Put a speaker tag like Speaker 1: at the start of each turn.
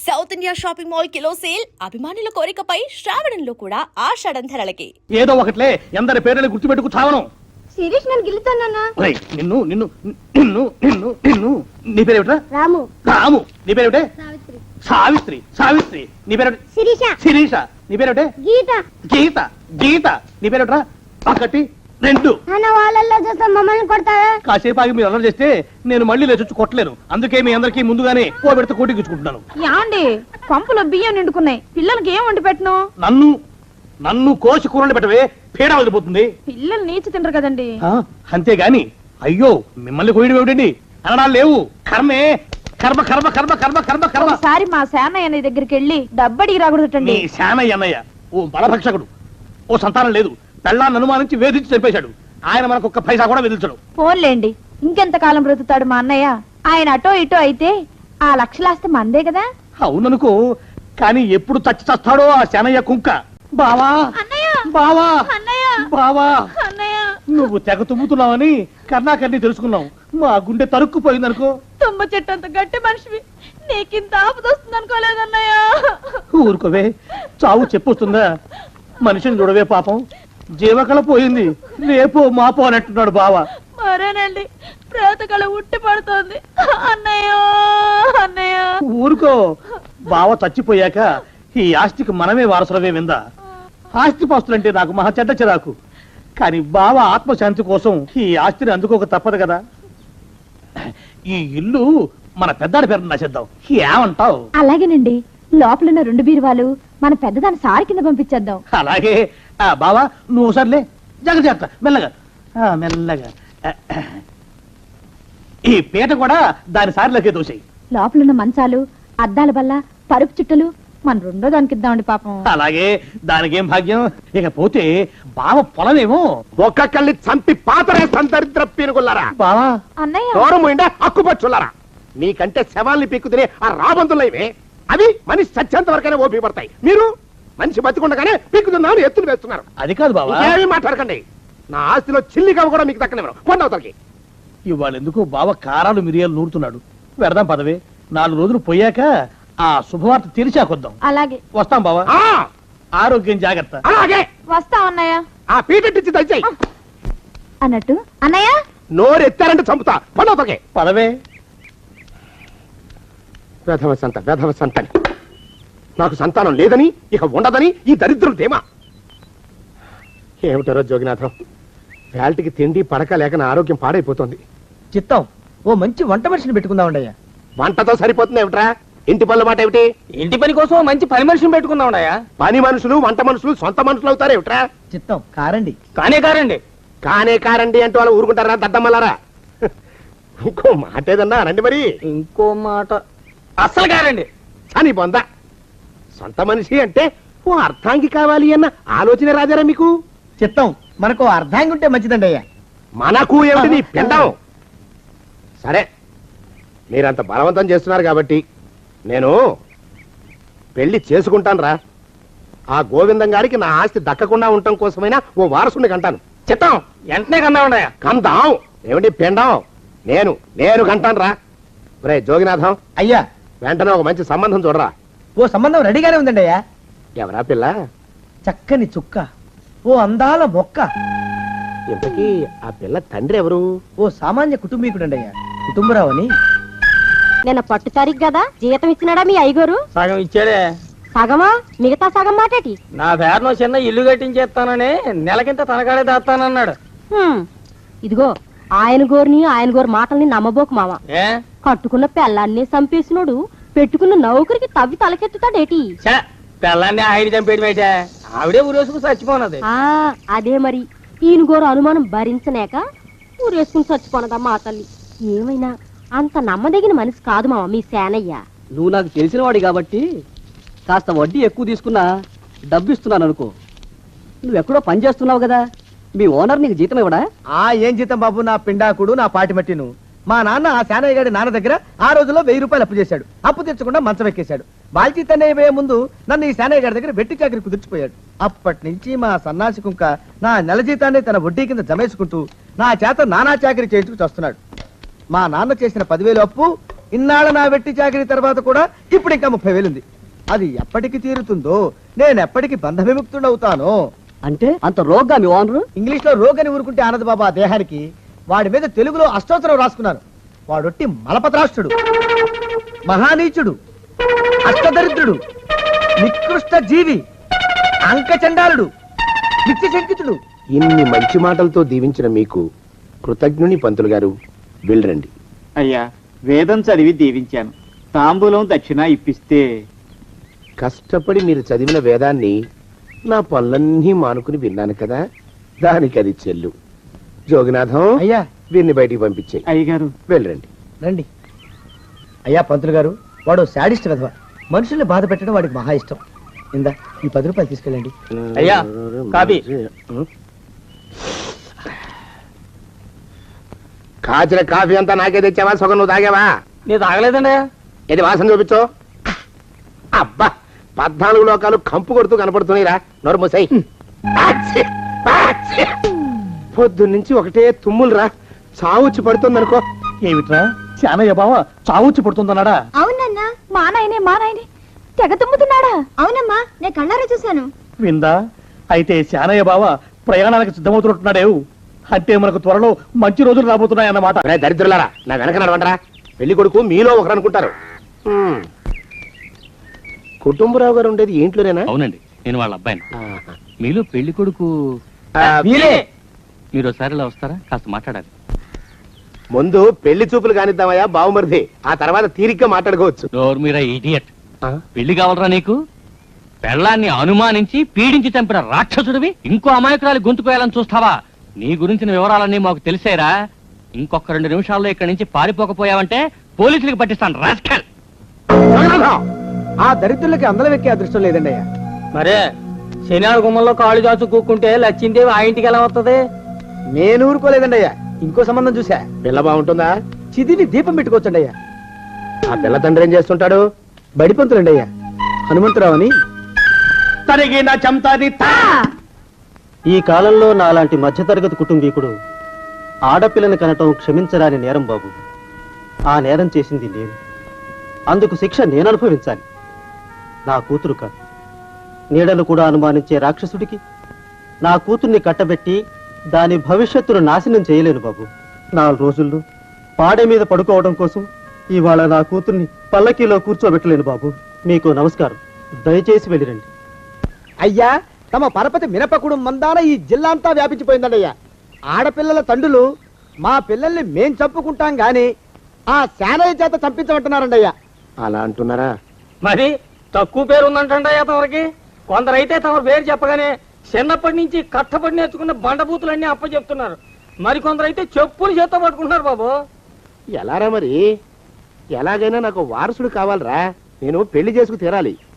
Speaker 1: South India shopping mall kilo sale అభిమానుల కోరికపై శ్రావణంలో కూడా ఆషాఢం ధరలకి.
Speaker 2: ఏదో ఒకట్లే ఎందరి పేర్లు గుర్తుపెట్టుకు చావను.
Speaker 3: శిరీష్ నన్ను గెలుతానన్నా.
Speaker 2: నిన్ను నిన్ను నిన్ను నిన్ను నిన్ను నీ పేరేమిట్రా?
Speaker 3: రాము.
Speaker 2: రాము. నీ పేరేమిటే?
Speaker 3: సావిత్రి.
Speaker 2: సావిత్రి. సావిత్రి. నీ పేరేమిటి?
Speaker 3: శిరీష.
Speaker 2: శిరీష. నీ పేరేమిటే?
Speaker 3: గీత.
Speaker 2: గీత. గీత. నీ పేరేమిట్రా? ఒకటి రెండు.
Speaker 3: అన్న వాళ్ళల్లో చూస్తే మమ్మల్ని కొడతావా?
Speaker 2: కాసేపు ఆగి మీరు అల్లరి చేస్తే నేను మళ్ళీ లేచొచ్చి కొట్టలేను. అందుకే మీ అందరికీ ముందుగానే ఓ పెడితే కోటికిచ్చుకుంటున్నాను.
Speaker 4: యాండి పంపులో బియ్యం నిండుకున్నాయి, పిల్లలకి ఏం వండి పెట్టను?
Speaker 2: నన్ను నన్ను కోసి కూరలు పెట్టవే, పీడ వదిలిపోతుంది.
Speaker 4: పిల్లలు నీచి తింటారు కదండి.
Speaker 2: అంతేగాని అయ్యో మిమ్మల్ని కోయడం ఏమిటండి అనడాలు లేవు. కర్మే కర్మ కర్మ కర్మ కర్మ కర్మ కర్మ.
Speaker 4: ఒకసారి మా శానయ్య అనే దగ్గరికి వెళ్ళి డబ్బడికి రాకూడదటండి.
Speaker 2: నీ శానయ్య అన్నయ్య ఓ బలభక్షకుడు, ఓ సంతానం లేదు, పెళ్ళాన్ని అనుమానించి వేధించి చంపేశాడు. ఆయన మనకు ఒక్క పైసా కూడా విధించడు.
Speaker 4: ఫోన్లేండి, ఇంకెంత కాలం బ్రతుకుతాడు మా అన్నయ్య? ఆయన అటో ఇటో అయితే ఆ లక్షలాస్తే మందే కదా.
Speaker 2: అవుననుకో, కానీ ఎప్పుడు చచ్చి చస్తాడో ఆ శానయ్య కుంక. బావా బావా బావా, నువ్వు తెగ తుమ్ముతున్నావని కర్ణాకర్ణి తెలుసుకున్నావు. మా గుండె తరుక్కుపోయిందనుకో.
Speaker 4: తుమ్మ చెట్టు అంత గట్టి మనిషివి, నీకింత ఆపదొస్తుంది అనుకోలేదన్నయ్య.
Speaker 2: ఊరుకోవే, చావు చెప్పొస్తుందా? మనిషిని చూడవే పాపం, జీవకళ పోయింది, రేపో మాపో అన్నట్టున్నాడు బావ.
Speaker 4: మరేనండి, ప్రేతకళ ఉట్టి పడుతోంది అన్నయ్య. అన్నయ్య
Speaker 2: ఊరుకో, బావ చచ్చిపోయాక ఈ ఆస్తికి మనమే వారసులవే విందా. ఆస్తి పాస్తులంటే నాకు మహా చెడ్డ చిరాకు, కానీ బావ ఆత్మశాంతి కోసం ఈ ఆస్తిని అందుకోక తప్పదు కదా. ఈ ఇల్లు మన పెద్దాడి పేరు నచ్చేద్దాం, ఏమంటావు?
Speaker 4: అలాగేనండి, లోపలున్న 2 బీరువాలు మన పెద్దదాని సారి కింద పంపించేద్దాం.
Speaker 2: అలాగే. బావా నువ్వు సర్లే, జాగ్రత్త మెల్లగా మెల్లగా. ఈ పీట కూడా దాని సారిలోకే దోసేయి.
Speaker 4: లోపలున్న మంచాలు, అద్దాల బల్ల, పరుపు చుట్టలు మన 2వ దానికి ఇద్దామండి పాపం.
Speaker 2: అలాగే, దానికేం భాగ్యం. ఇకపోతే బావ పొలమేమో
Speaker 5: ఒక్కొక్కల్ని చంపి పాతరేస్తాను దరిద్ర పీనుకున్నారా.
Speaker 2: బావా
Speaker 4: అన్నయ్య
Speaker 5: దూరం పోయిండా అక్కుపచ్చులారా. నీకంటే శవాల్ని పీక్కుతినే ఆ రాబందులైవే, అవి మనిషి చచ్చేంత వరకైనా ఓపి పడతాయి. మీరు మనిషి బతికుండగానే పీక్కుతున్నామని ఎత్తులు వేస్తున్నారు.
Speaker 2: అది కాదు బావా,
Speaker 5: ఏమీ మాట్లాడకండి. నా ఆస్తిలో చిల్లిగా కూడా మీకు దక్కనివ్వరు. పొందవతలకి
Speaker 2: ఇవాళ ఎందుకు బావ కారాలు మిరియాలు నూరుతున్నాడు. వెడదాం పదవే, 4 రోజులు పోయాక ఆ శుభవార్త తెలిసాకొద్దాం.
Speaker 4: అలాగే
Speaker 2: వస్తాం బావా. ఆరోగ్యం జాగ్రత్త.
Speaker 5: అలాగే
Speaker 4: వస్తాం అన్నయ్య.
Speaker 5: ఆ పీటెట్టించి దయచేయి.
Speaker 4: అన్నట్టు అన్నయ్య,
Speaker 5: నోరు ఎత్తారంటే చంపుతా. పొందవతలకి
Speaker 2: పదవే.
Speaker 5: వేధవ సంతని నాకు సంతానం లేదని, ఇక ఉండదని ఈ దరిద్రులు ధీమా. ఏమిటారో జోగినాథం, వేల్టికి తిండి పడక లేక నా ఆరోగ్యం పాడైపోతుంది.
Speaker 6: చిత్తం, ఓ మంచి వంట మనిషిని పెట్టుకుందామండయ్యా.
Speaker 5: వంటతో సరిపోతుంది ఏమిట్రా? ఇంటి పనుల మాట ఏమిటి?
Speaker 6: ఇంటి పని కోసం మంచి పని మనిషిని పెట్టుకుందామండయ్యా.
Speaker 5: పని మనుషులు వంట మనుషులు సొంత మనుషులు అవుతారు ఏమిట్రా?
Speaker 6: చిత్తం కారండి.
Speaker 5: కారండి కానే అంటూ వాళ్ళు ఊరుకుంటారా దద్దమ్మలారా? ఇంకో మాట ఏదన్నా రండి మరి.
Speaker 6: ఇంకో మాట అస్సలు కారండి
Speaker 5: అని బొంద. సొంత మనిషి అంటే ఓ అర్థాంగి కావాలి అన్న ఆలోచన రాజారా మీకు?
Speaker 6: చిత్తం, మనకు అర్ధాంగి ఉంటే మంచిదండి అయ్యా.
Speaker 5: మనకు ఏమిటి నీ పిండం? సరే, మీరంత బలవంతం చేస్తున్నారు కాబట్టి నేను పెళ్లి చేసుకుంటాను రా. ఆ గోవిందం గారికి నా ఆస్తి దక్కకుండా ఉండటం కోసమైనా ఓ వారసుని కంటాను.
Speaker 6: చిత్తం, వెంటనే కన్నామండయ్యా.
Speaker 5: కందాం ఏమిటి పిండం? నేను కంటాను రా. రే జోగినాథం,
Speaker 6: అయ్యా
Speaker 5: వెంటనే ఒక మంచి సంబంధం చూడరా.
Speaker 6: ఓ సంబంధం రెడీగానే ఉందండి అయ్యా.
Speaker 5: ఎవరా పిల్ల?
Speaker 6: చక్కని చుక్క, ఓ అందాల మొక్క.
Speaker 5: ఇంతకీ ఆ పిల్ల తండ్రి ఎవరు?
Speaker 6: ఓ సామాన్య కుటుంబీకుడండి అయ్యా, కుటుంబరావు అని.
Speaker 3: నిన్న పట్టు తారీఖు కదా, జీతం ఇచ్చినాడా మీ అయ్యగారు?
Speaker 6: సగం ఇచ్చాడే.
Speaker 3: సగమా? మిగతా సగం మాటేటి?
Speaker 6: నా పేరులో చిన్న ఇల్లు కట్టించేస్తానని నెలకింత తనకాడే దాస్తానన్నాడు.
Speaker 3: ఇదిగో, ఆయన గోరు మాటల్ని నమ్మబోకు మామ. కట్టుకున్న పెళ్ళాన్ని చంపేసినోడు పెట్టుకున్న నౌకరికి తవ్వి తలకెత్తుతాడేటి?
Speaker 6: పిల్లాన్ని ఆయన చంపేయడం, ఆవిడే ఊరేసుకుని చచ్చిపోనది.
Speaker 3: అదే మరి, ఈయన గోరు అనుమానం భరించలేక ఊరేసుకుని చచ్చిపోనదమ్మా ఆ తల్లి. ఏమైనా అంత నమ్మదగిన మనిషి కాదు మామ మీ సేనయ్య.
Speaker 7: నువ్వు నాకు తెలిసిన వాడి కాబట్టి కాస్త వడ్డీ ఎక్కువ తీసుకున్నా డబ్బు ఇస్తున్నాను అనుకో. నువ్వెక్కడో పని చేస్తున్నావు కదా, మీ ఓనర్ నీకు జీతం ఇవ్వడా?
Speaker 6: ఏం జీతం బాబు, నా పిండాకుడు, నా పాటి మట్టిను. మా నాన్న ఆ శానయ్య గారి నాన్న దగ్గర ఆ రోజుల్లో 1000 రూపాయలు అప్పు చేశాడు. అప్పు తెచ్చకుండా మంచం ఎక్కేశాడు. బాల్చీతన్నయ్య పోయే ముందు నన్ను ఈ శానయ్య గారి దగ్గర వెట్టి చాకరి కుదిర్చిపోయాడు. అప్పటి నుంచి మా సన్నాసి కుంక నా నెల జీతాన్ని తన వడ్డీ కింద జమేసుకుంటూ నా చేత నానా చాకరీ చేయించుకు వస్తున్నాడు. మా నాన్న చేసిన 10,000 అప్పు ఇన్నాళ్ళ నా వెట్టి చాకరీ తర్వాత కూడా ఇప్పుడు ఇంకా 30,000 ఉంది. అది ఎప్పటికి తీరుతుందో, నేను ఎప్పటికి బంధ విముక్తుడవుతానో.
Speaker 7: అంటే అంత రోగ్గా మీ ఓనరు?
Speaker 6: ఇంగ్లీష్ లో రోగని ఊరుకుంటే ఆనంద్ బాబా ఆ దేహానికి, వాడి మీద తెలుగులో అష్టోత్తరం రాసుకున్నాను. వాడొట్టి మలపత్రాష్ట్రుడు, మహానీచుడు, అష్టదరిద్రుడు, నికృష్ట జీవి, అంకచండాలుడు, నిత్యశంకితుడు.
Speaker 5: ఇన్ని మంచి మాటలతో దీవించిన మీకు కృతజ్ఞుని పంతులు గారు. వెళ్ళరండి.
Speaker 8: అయ్యా, వేదం చదివి దీవించాను. తాంబూలం దక్షిణ ఇప్పిస్తే.
Speaker 5: కష్టపడి మీరు చదివిన వేదాన్ని నా పనులన్నీ మానుకుని విన్నాను కదా, దానికి అది చెల్లు. జోగినాథం,
Speaker 6: అయ్యా
Speaker 5: వీరిని బయటికి పంపించే.
Speaker 8: అయ్యగారు,
Speaker 5: వెళ్ళరండి.
Speaker 6: రండి. అయ్యా పంతులు గారు, వాడు శాడిస్ట్ విధవ. మనుషుల్ని బాధ పెట్టడం వాడికి మహా ఇష్టం. ఇందా ఈ 10 రూపాయలు తీసుకెళ్ళండి.
Speaker 2: అయ్యా, కాపీ.
Speaker 5: కాచిన కాఫీ అంతా నాకే తెచ్చావా? సగం నువ్వు తాగావా?
Speaker 2: నేను తాగలేదండి.
Speaker 5: ఇది వాసన చూపించు. అబ్బా, 14 లోకాలు కంపు కొడుతూ కనపడుతున్నాయిరా. నోరు మూసాయి. పొద్దున్నుంచి ఒకటే తుమ్ములురా. చావుచ్చి పడుతుందనుకో.
Speaker 2: ఏమిట్రా శానయ్య బావ చావుచ్చి పడుతుందన్నాడా?
Speaker 4: అవునన్నా, మా నాయనే తెగ తుమ్ముతున్నాడా? అవునమ్మా, నేను కళ్ళారా చూశాను.
Speaker 2: విందా? అయితే శానయ్య బావ ప్రయాణానికి సిద్ధమవుతున్నట్టున్నాడేవు. అంటే మనకు త్వరలో మంచి రోజులు రాబోతున్నాయన్నమాట.
Speaker 5: ఒరే దరిద్రులారా, నా వెనక నడవంటరా. పెళ్లి కొడుకు మీలో ఒకరు అనుకుంటారు. కుటుంబరావు గారు ఉండేది ఏంట్లోనేనా?
Speaker 9: అవునండి, నేను వాళ్ళ అబ్బాయిని.
Speaker 5: ఆహా.
Speaker 9: మీలో పెళ్లి కొడుకు
Speaker 2: వీలే.
Speaker 9: మీరు ఒకసారి ఇలా వస్తారా? కాస్త మాట్లాడాలి.
Speaker 5: ముందు పెళ్లి చూపులు కానిద్దామయ్యా బావుమరిది, ఆ తర్వాత తీరిగ్గా మాట్లాడుకోవచ్చు.
Speaker 9: డోర్ మీరా ఇడియట్. పెళ్లి కావాలరా నీకు? పెళ్ళాన్ని అనుమానించి పీడించి చంపిన రాక్షసుడివి ఇంకో అమాయకురాలి గొంతు కోయాలని చూస్తావా? నీ గురించిన వివరాలన్నీ మాకు తెలిసేరా. ఇంకొక 2 నిమిషాల్లో ఇక్కడి నుంచి పారిపోకపోయావంటే పోలీసులకు పట్టిస్తాను. రాస్కల్.
Speaker 6: ఆ దరిద్రులకి అందలం ఎక్కే అదృష్టం లేదండి అయ్యా.
Speaker 2: మరే శనివారం గుమ్మంలో కాళ్ళు చాచు కూకుంటే లచ్చిందేవి ఆ ఇంటికి ఎలా వస్తుంది?
Speaker 6: నేను ఊరుకోలేదండి అయ్యా. ఇంకో సంబంధం చూసా.
Speaker 5: పిల్ల బాగుంటుందా?
Speaker 6: చిదివి దీపం పెట్టుకోవచ్చండి అయ్యా.
Speaker 5: ఆ పిల్ల తండ్రి ఏం చేస్తుంటాడు?
Speaker 6: బడిపంతులండి అయ్యా, హనుమంతరావు అని.
Speaker 2: తరిగిన చంతాది
Speaker 7: ఈ కాలంలో నాలాంటి మధ్యతరగతి కుటుంబీకుడు ఆడపిల్లని కనటం క్షమించరాని నేరం బాబు. ఆ నేరం చేసింది నేను. అందుకు శిక్ష నేను అనుభవించాలి. నా కూతురు కాదు, నీడలు కూడా అనుమానించే రాక్షసుడికి నా కూతుర్ని కట్టబెట్టి దాని భవిష్యత్తును నాశనం చేయలేను బాబు. 4 రోజుల్లో పాడె మీద పడుకోవడం కోసం ఇవాళ నా కూతుర్ని పల్లకీలో కూర్చోబెట్టలేను బాబు. మీకు నమస్కారం, దయచేసి వెళ్ళిరండి.
Speaker 6: అయ్యా, తమ పరపతి మినపకుడు మందాన ఈ జిల్లా అంతా వ్యాపించిపోయిందండి అయ్యా. ఆడపిల్లల తండ్రులు మా పిల్లల్ని మేం చంపుకుంటాం గాని ఆ శానయ్య చేత చంపించమంటున్నారండి అయ్యా.
Speaker 5: అలా అంటున్నారా?
Speaker 2: మరి తక్కువ పేరు ఉందంటే తమరికి. కొందరైతే తమ పేరు చెప్పగానే చిన్నప్పటి నుంచి కట్టపడి నేర్చుకున్న బండబూతులన్నీ అప్పచెప్తున్నారు. మరి కొందరైతే చెప్పులు చేత్తో పట్టుకుంటున్నారు బాబు.
Speaker 5: ఎలారా మరి? ఎలాగైనా నాకు వారసుడు కావాలరా. నేను పెళ్లి చేసుకు తీరాలి.